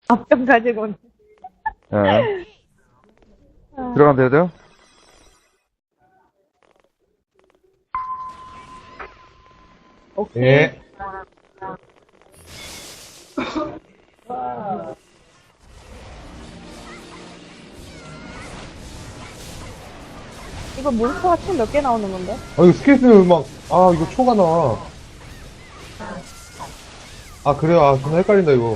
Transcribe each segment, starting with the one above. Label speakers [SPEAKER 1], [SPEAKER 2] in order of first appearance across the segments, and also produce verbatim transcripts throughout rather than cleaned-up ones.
[SPEAKER 1] 앞병 가지고 온.
[SPEAKER 2] 예. 들어가면 되죠?
[SPEAKER 1] 오케이.
[SPEAKER 3] 예.
[SPEAKER 1] 이거 몬스터가 총 몇 개 나오는 건데?
[SPEAKER 3] 아, 이거 스케이트 막, 아, 이거 초가 나와. 아, 그래요? 아, 존나 헷갈린다, 이거.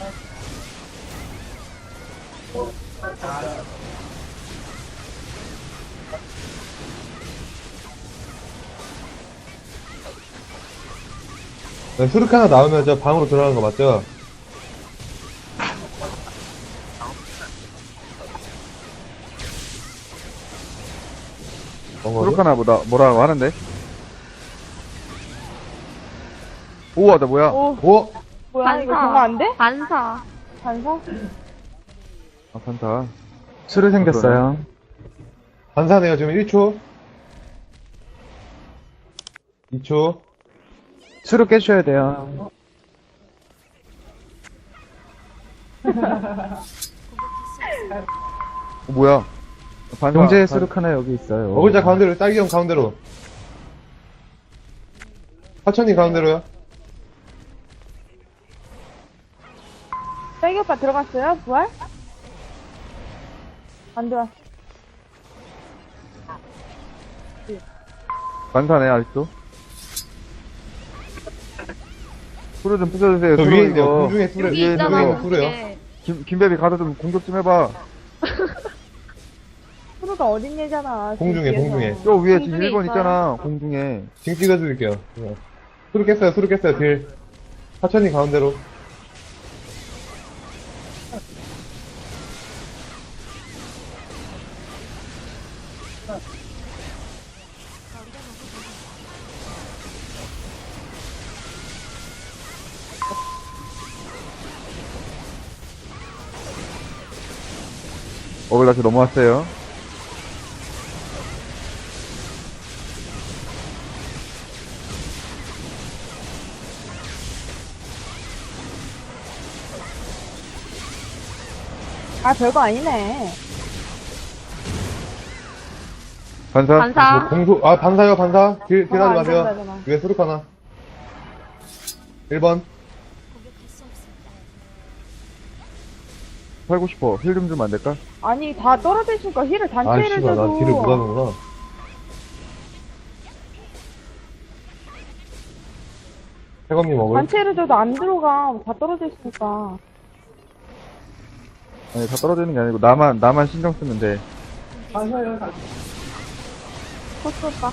[SPEAKER 3] 네, 수륙 하나 나오면 저 방으로 들어가는 거 맞죠? 뭔 거지?
[SPEAKER 2] 그렇구나 보다 뭐라고 하는데? 우와 나 뭐야?
[SPEAKER 1] 오,
[SPEAKER 3] 오!
[SPEAKER 1] 뭐야, 이거 정말 안 돼?
[SPEAKER 4] 반사.
[SPEAKER 1] 반사?
[SPEAKER 2] 아 판타.
[SPEAKER 5] 수를 생겼어요.
[SPEAKER 3] 반사네요, 지금 일 초. 이 초.
[SPEAKER 5] 수를 깨셔야 돼요.
[SPEAKER 2] 어, 뭐야? 반사.
[SPEAKER 5] 동제의
[SPEAKER 2] 반-
[SPEAKER 5] 수륙 하나 여기 있어요.
[SPEAKER 3] 어글자 가운데로, 딸기형 가운데로. 하천이 가운데로요.
[SPEAKER 1] 딸기 오빠 들어갔어요? 부활? 안 들어왔어.
[SPEAKER 2] 반사네 아직도. 수를 좀 부숴주세요.
[SPEAKER 3] 저
[SPEAKER 2] 수로
[SPEAKER 3] 위에 있네요.
[SPEAKER 2] 이거.
[SPEAKER 3] 공중에 수를,
[SPEAKER 4] 여기
[SPEAKER 2] 위에
[SPEAKER 4] 있잖아,
[SPEAKER 2] 있는 거.
[SPEAKER 3] 공중에 수래요.
[SPEAKER 4] 공중에.
[SPEAKER 2] 김 김배비 가서 좀 공격 좀 해봐.
[SPEAKER 1] 프로가 어린 얘잖아.
[SPEAKER 3] 공중에,
[SPEAKER 1] 뒤에서.
[SPEAKER 3] 공중에.
[SPEAKER 2] 저 위에 지금
[SPEAKER 4] 공중에
[SPEAKER 2] 일 번
[SPEAKER 4] 있어요.
[SPEAKER 2] 있잖아. 공중에.
[SPEAKER 3] 징 찍어드릴게요. 네. 수륙 깼어요, 수륙 깼어요, 딜. 하천이 가운데로.
[SPEAKER 2] 어글 다시 넘어왔어요.
[SPEAKER 1] 아, 별거 아니네.
[SPEAKER 2] 반사.
[SPEAKER 4] 반사.
[SPEAKER 3] 뭐 공소, 아, 반사요, 반사. 딜, 딜
[SPEAKER 1] 어,
[SPEAKER 3] 하지
[SPEAKER 1] 안 된다,
[SPEAKER 3] 마세요.
[SPEAKER 1] 되나.
[SPEAKER 3] 위에 수륙 하나. 일 번.
[SPEAKER 2] 살고 싶어. 힐 좀 주면 안 될까?
[SPEAKER 1] 아니, 다 떨어져 있으니까 힐을
[SPEAKER 3] 아,
[SPEAKER 1] 단체를
[SPEAKER 3] 씨발, 나
[SPEAKER 1] 줘도.
[SPEAKER 3] 딜을 못하는구나. 태검님 먹을?
[SPEAKER 1] 단체를 줘도 안 들어가. 다 떨어져 있으니까.
[SPEAKER 2] 아니 다 떨어지는 게 아니고 나만 나만 신경 쓰면 돼.
[SPEAKER 1] 코스 오빠.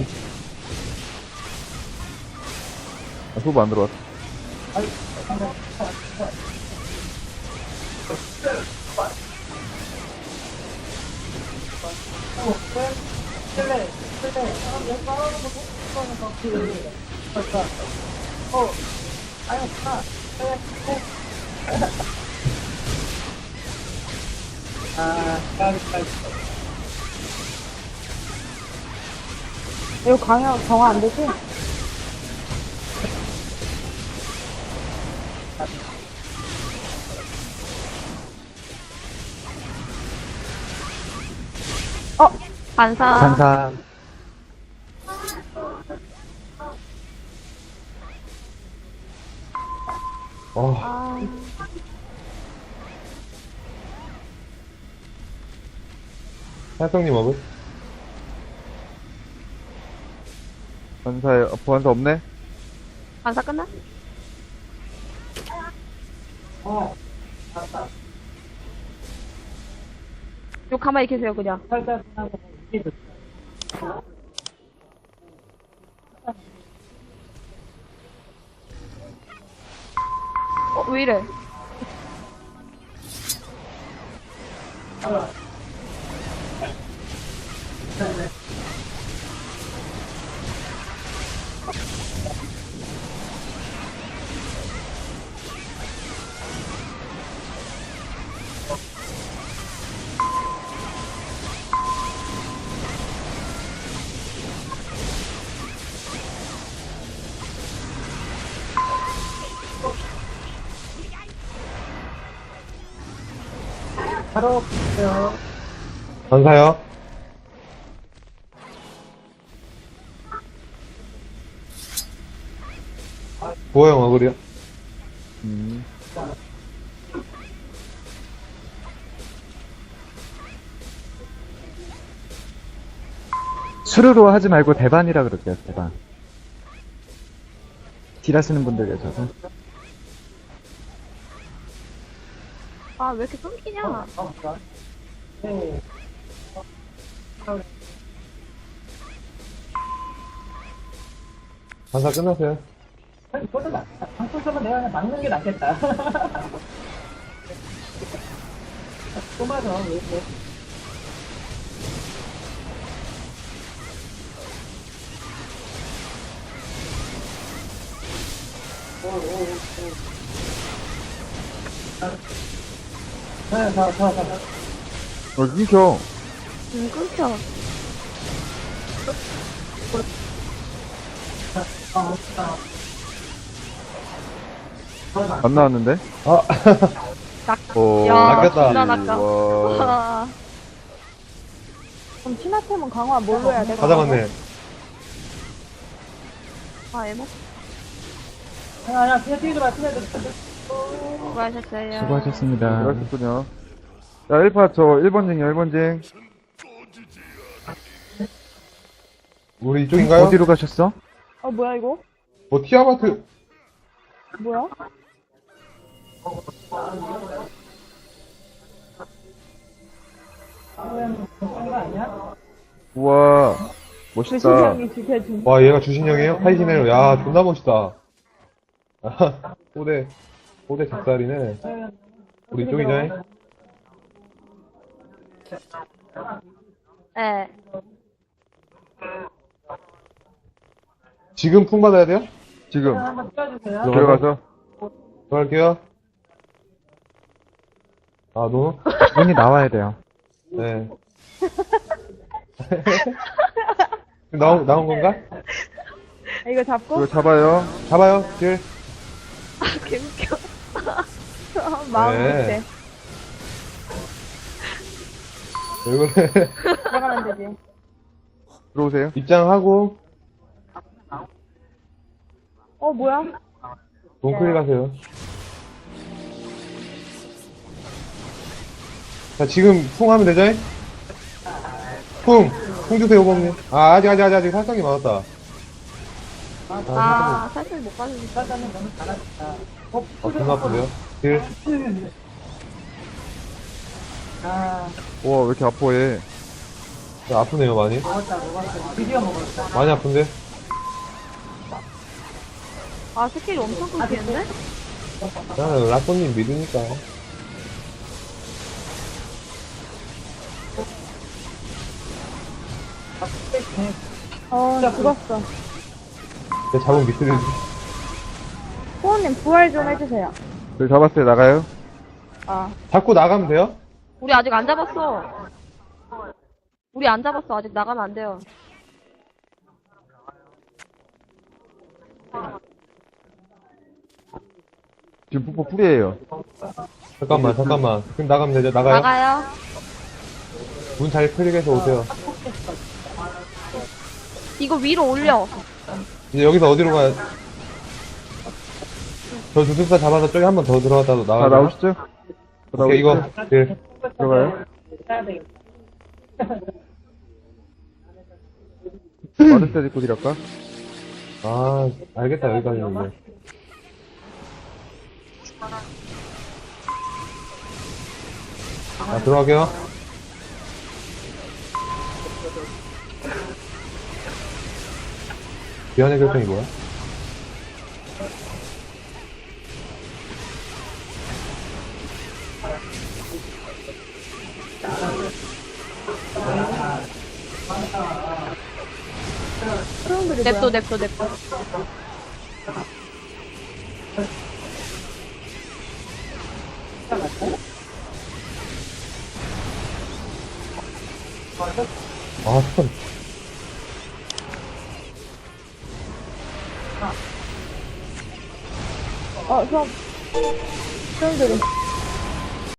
[SPEAKER 2] 아, 소부 안 들어왔어.
[SPEAKER 1] 이거 강화, 강화 안 되지? 어,
[SPEAKER 4] 반사.
[SPEAKER 5] 반사.
[SPEAKER 3] 어,
[SPEAKER 1] 아,
[SPEAKER 3] 태경님 먹을?
[SPEAKER 2] 반사에 어, 보안사 없네.
[SPEAKER 4] 반사 끝나? 요 가만히 계세요, 그냥. 어, 왜 이래?
[SPEAKER 3] 전사요. 부호형 어글이요.
[SPEAKER 2] 음.
[SPEAKER 5] 수르로 하지 말고 대반이라 그럴게요, 대반. 딜 하시는 분들 계셔서.
[SPEAKER 4] 아, 왜 이렇게 끊기냐?
[SPEAKER 3] 전사 끝났어요.
[SPEAKER 6] 방송에서 내가 그냥 막는 게 낫겠다. 또 맞아, 왜, 왜. 네, 자, 자, 자.
[SPEAKER 2] 어, 끊겨.
[SPEAKER 4] 음, 끊겨.
[SPEAKER 2] 안 나왔는데?
[SPEAKER 3] 아,
[SPEAKER 4] 낚,
[SPEAKER 2] 어,
[SPEAKER 4] 야,
[SPEAKER 3] 낚였다.
[SPEAKER 4] 진짜 낚아.
[SPEAKER 2] 와.
[SPEAKER 4] 와.
[SPEAKER 1] 그럼 신화템은 강화 뭘로 해야 돼?
[SPEAKER 3] 다 잡았네.
[SPEAKER 4] 아, 에모.
[SPEAKER 6] 야, 야, 그냥 뛰지 마, 뛰어야 돼.
[SPEAKER 4] 수고하셨어요.
[SPEAKER 5] 수고하셨습니다.
[SPEAKER 2] 그러셨군요. 자, 일 파 저 일 번징이요, 일 번징.
[SPEAKER 3] 우리 이쪽인가요?
[SPEAKER 5] 어디로 가셨어?
[SPEAKER 1] 어, 뭐야, 이거?
[SPEAKER 3] 뭐, 티아마트.
[SPEAKER 1] 뭐야?
[SPEAKER 2] 우와.
[SPEAKER 1] 그
[SPEAKER 2] 멋있다.
[SPEAKER 1] 신형이 지켜준.
[SPEAKER 3] 와, 얘가 주신형이에요? 하이시네요. 야, 존나 멋있다. 아, 꼬대, 꼬대 작살이네. 우리 이쪽이죠?
[SPEAKER 4] 네.
[SPEAKER 3] 지금 풍 받아야 돼요?
[SPEAKER 2] 지금
[SPEAKER 6] 한번 뛰어주세요.
[SPEAKER 2] 들어가서.
[SPEAKER 3] 들어갈게요. 아, 너?
[SPEAKER 5] 문이 나와야 돼요.
[SPEAKER 3] 네. 나온, 나온 건가?
[SPEAKER 1] 이거 잡고?
[SPEAKER 2] 이거 잡아요.
[SPEAKER 3] 잡아요, 길.
[SPEAKER 4] 아, 개웃겨.
[SPEAKER 1] 마음
[SPEAKER 3] 네.
[SPEAKER 1] 못해.
[SPEAKER 3] 왜 그래?
[SPEAKER 1] 들어가면 되지.
[SPEAKER 2] 들어오세요.
[SPEAKER 3] 입장하고,
[SPEAKER 1] 어, 뭐야?
[SPEAKER 3] 동클 가세요. 자, 지금 풍 하면 되죠? 풍! 풍 주세요, 오범님. 아, 아직, 아직, 아직, 아직 살성이 많았다.
[SPEAKER 4] 아, 살짝 못 가주니까.
[SPEAKER 3] 아, 존나 아픈데요? 길.
[SPEAKER 6] 아,
[SPEAKER 2] 우와, 왜 이렇게 아파, 얘.
[SPEAKER 3] 야, 아프네요, 많이.
[SPEAKER 6] 먹었다, 먹었다. 드디어 먹었다.
[SPEAKER 3] 많이 아픈데?
[SPEAKER 4] 아, 스킬이 엄청 끊기는데?
[SPEAKER 3] 나는 라쏘님 믿으니까.
[SPEAKER 1] 어, 나 죽었어.
[SPEAKER 3] 내 잡은 미스를.
[SPEAKER 1] 호원님 부활 좀 해주세요.
[SPEAKER 2] 저 잡았어요, 나가요.
[SPEAKER 1] 아,
[SPEAKER 3] 잡고 나가면 돼요?
[SPEAKER 4] 우리 아직 안 잡았어. 우리 안 잡았어. 아직 나가면 안 돼요.
[SPEAKER 2] 지금 뽀뽀 풀이에요.
[SPEAKER 3] 잠깐만, 잠깐만. 그럼 나가면 되죠? 나가요?
[SPEAKER 4] 나가요.
[SPEAKER 3] 문 잘 클릭해서 오세요.
[SPEAKER 4] 이거 위로 올려.
[SPEAKER 3] 이제 여기서 어디로 가야, 저 주술사 잡아서 저기 한 번 더 들어갔다도
[SPEAKER 2] 다
[SPEAKER 3] 나가요?
[SPEAKER 2] 나오시죠? 다
[SPEAKER 3] 오케이, 이거,
[SPEAKER 2] 나오시죠?
[SPEAKER 3] 길.
[SPEAKER 2] 들어가요.
[SPEAKER 6] 해야 되겠다.
[SPEAKER 2] 마르세 짓고 딜할까?
[SPEAKER 3] 아, 알겠다, 여기까지는데. 자, 들어갈게요. 미안의 결정이 뭐야?
[SPEAKER 1] 트럼블이
[SPEAKER 4] 냅둬,
[SPEAKER 1] 뭐야?
[SPEAKER 4] 냅둬, 냅둬.
[SPEAKER 3] 아, 참.
[SPEAKER 1] 어, 수업. 트럼블이.